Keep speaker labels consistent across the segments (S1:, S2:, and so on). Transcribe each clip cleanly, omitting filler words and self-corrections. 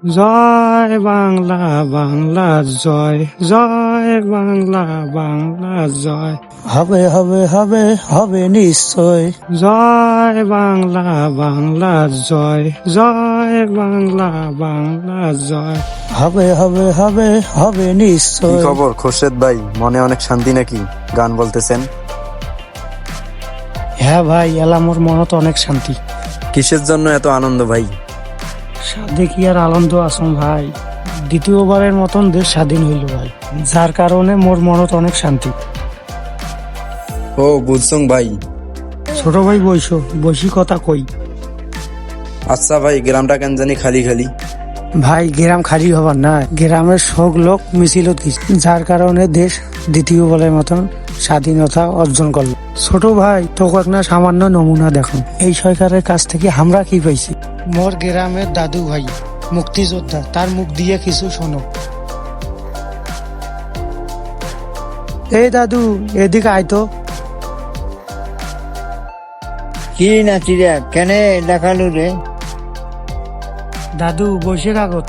S1: জয় বাংলা বাংলা জয়, জয় বাংলা বাংলা জয়,
S2: হবে হবে হবে হবে নিশ্চয়।
S1: জয় বাংলা বাংলা জয়, জয় বাংলা বাংলা জয়।
S2: হবে হবে হবে হবে
S3: কি
S2: নিশ্চয়।
S3: খবর খোরশেদ ভাই, মনে অনেক শান্তি নাকি? গান বলতেছেন?
S2: হ্যাঁ ভাই, এলামোর মনত অনেক শান্তি।
S3: কিসের জন্য এত আনন্দ ভাই?
S2: সাধে কি আর আনন্দ আসুন ভাই, দ্বিতীয়বারের মতন দেশ স্বাধীন হইল ভাই, যার কারণে মোর মনত অনেক শান্তি।
S3: ও বুঝছং ভাই।
S2: ছোট ভাই বইসো, বসি কথা কই।
S3: আচ্ছা ভাই, গ্রামটা কেন জানি খালি খালি।
S2: ভাই গ্রাম খালি হবার না, গ্রামের সব লোক মিছিলত গেছে, যার কারণে দেশ দ্বিতীয়বারের মতন স্বাধীনতা অর্জন করলো। ছোট ভাই তোকে একটা সামান্য নমুনা দেখুন, এই সরকারের কাছ থেকে আমরা কি পাইছি। মোর গ্রামের দাদু ভাই মুক্তিযোদ্ধা, তার মুখ দিয়ে কিছু শোনো। এই দাদু, এদিকে আইতো।
S4: কি নাচিরা কেনে দেখালু রে?
S2: দাদু বসে কাগজ।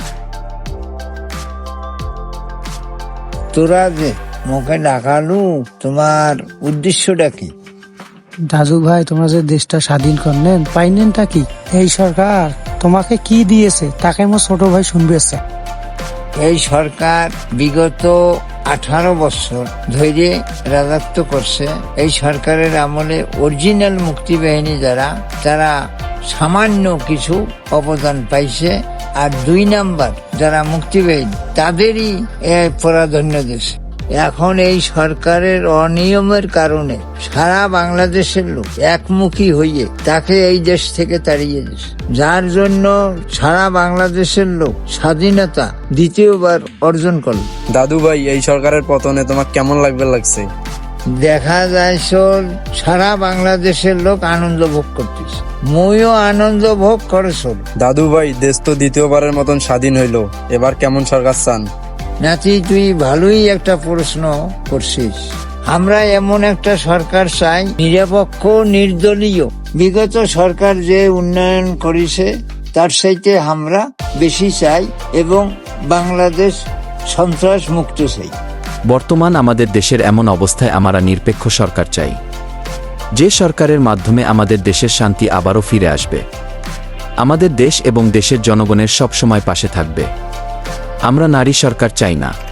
S4: তোরা যে মুখে দেখালু, তোমার উদ্দেশ্যটা কি?
S2: দাদু ভাই, তোমরা যে দেশটা স্বাধীন করলেন, পাইনেনটা কি? এই সরকার তোমাকে কি দিয়েছে তাকে মোর ছোট ভাই শুনবে।
S4: এই সরকার বিগত 18 বছর ধরে রাজত্ব করছে। এই সরকারের আমলে অরিজিনাল মুক্তি বাহিনী যারা, তারা সামান্য কিছু অবদান পাইছে, আর 2 নাম্বার যারা মুক্তি বাহিনী তাদেরই প্রাধান্য দিয়েছে। এখন এই সরকারের অনিয়মের কারণে সারা বাংলাদেশের লোক একমুখী হইয়ে তাকে এই দেশ থেকে তাড়িয়ে দিয়েছে, যার জন্য সারা বাংলাদেশের লোক স্বাধীনতা দ্বিতীয়বার অর্জন করল।
S3: দাদু ভাই, এই সরকারের পতনে তোমার কেমন লাগছে?
S4: দেখা যায় সারা বাংলাদেশের লোক আনন্দ ভোগ করতেছে, মইও আনন্দ ভোগ করেছ।
S3: দাদু ভাই, দেশ তো দ্বিতীয়বারের মতন স্বাধীন হইলো, এবার কেমন সরকার চান?
S4: নাতি, তুই ভালোই একটা প্রশ্ন করছিস। আমরা এমন একটা সরকার চাই, নিরপেক্ষ নির্দলীয়। বিগত সরকার যে উন্নয়ন করেছে তার চাইতে আমরা বেশি চাই, এবং বাংলাদেশ সন্ত্রাস মুক্ত চাই।
S5: বর্তমান আমাদের দেশের এমন অবস্থায় আমরা নিরপেক্ষ সরকার চাই, যে সরকারের মাধ্যমে আমাদের দেশের শান্তি আবারও ফিরে আসবে, আমাদের দেশ এবং দেশের জনগণের সব সময় পাশে থাকবে। আমরা নারী সরকার চাই না।